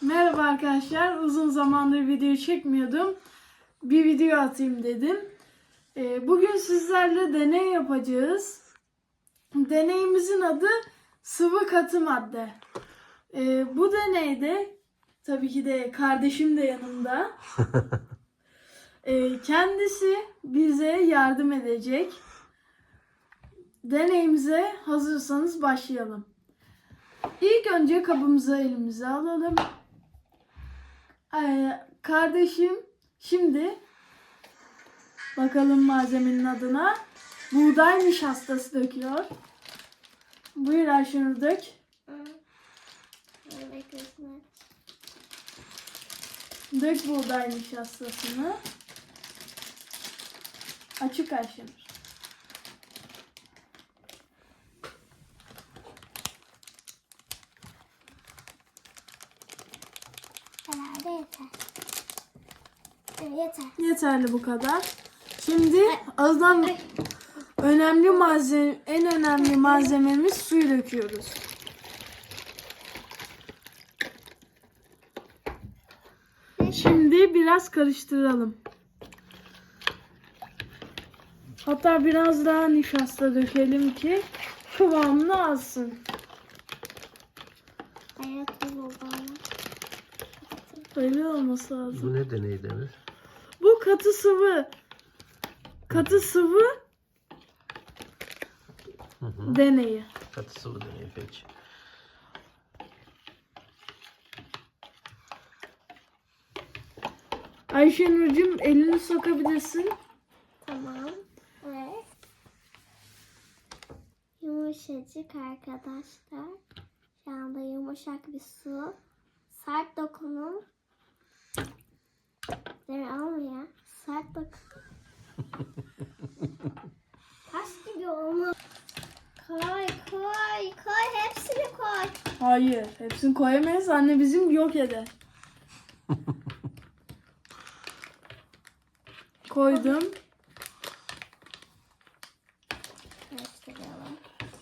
Merhaba arkadaşlar. Uzun zamandır video çekmiyordum. Bir video atayım dedim. Bugün sizlerle deney yapacağız. Deneyimizin adı sıvı katı madde. Bu deneyde tabii ki de kardeşim de yanımda. Kendisi bize yardım edecek. Deneyimize hazırsanız başlayalım. İlk önce kabımızı elimize alalım. Kardeşim şimdi bakalım malzemenin adına. Buğday nişastası döküyor. Buyur Ayşenur, dök. Dök buğday nişastasını. Açık Ayşenur. Herhalde yeter. Evet, yeter. Yeterli bu kadar. Şimdi azdan en önemli malzememiz suyu döküyoruz. Şimdi biraz karıştıralım. Hatta biraz daha nişasta dökelim ki kıvamını alsın. Böyle olması lazım. Bu ne deney Demir? Bu katı sıvı. Katı sıvı deneyi. Katı sıvı deneyi peki. Ayşenur'cum elini sokabilirsin. Tamam. Evet. Yumuşacık arkadaşlar. Şu anda yumuşak bir su. Sert dokunun. Demir alma ya. Sert dokun. Taş gibi olmaz. Koy koy koy. Hepsini koy. Hayır, hepsini koyamayız. Anne bizim yok eder. Koydum. Karıştıralım.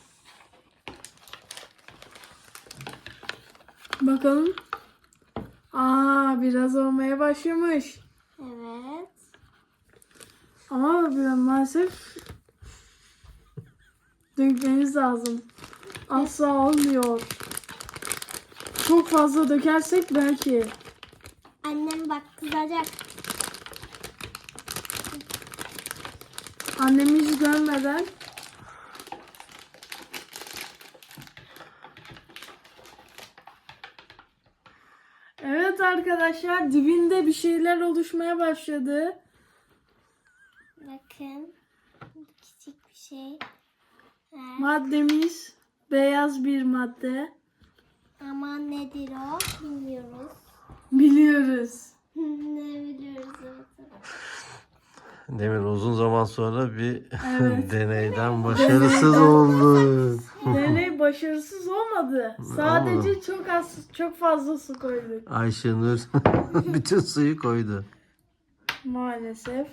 Bakalım. Biraz olmaya başlamış. Evet. Ama biraz maalesef dökmeniz lazım. Asla olmuyor. Çok fazla dökersek belki. Annem bak kızacak. Annemi hiç görmeden. Evet arkadaşlar, dibinde bir şeyler oluşmaya başladı. Bakın. Küçük bir şey. Evet. Maddemiz beyaz bir madde. Ama nedir o? Bilmiyoruz. Biliyoruz. Ne biliyoruz evet. Demir uzun zaman sonra bir Evet. deneyden başarısız oldu. Deney başarısız olmadı. Sadece çok fazla su koyduk. Ayşenur bütün suyu koydu. Maalesef.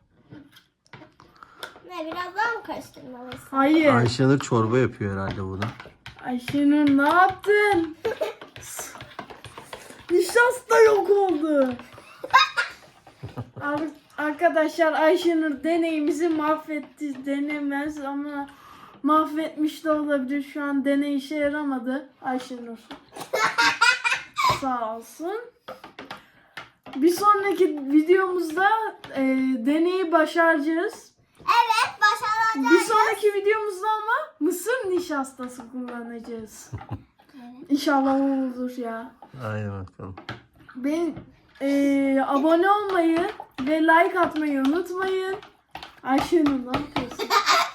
Ne biraz daha mı karıştırmalıyız? Hayır. Ayşenur çorba yapıyor herhalde bunu. Ayşenur ne yaptın? Nişasta yok oldu. Arkadaşlar Ayşenur deneyimizi mahvetti. Denemez ama mahvetmiş de olabilir. Şu an deney işe yaramadı Ayşenur. Sağ olsun. Bir sonraki videomuzda deneyi başaracağız. Evet başaracağız. Bir sonraki videomuzda ama mısır nişastası kullanacağız. İnşallah o olur ya. Aynen bakalım. Abone olmayı ve like atmayı unutmayın. Ayşenur ne yapıyorsun?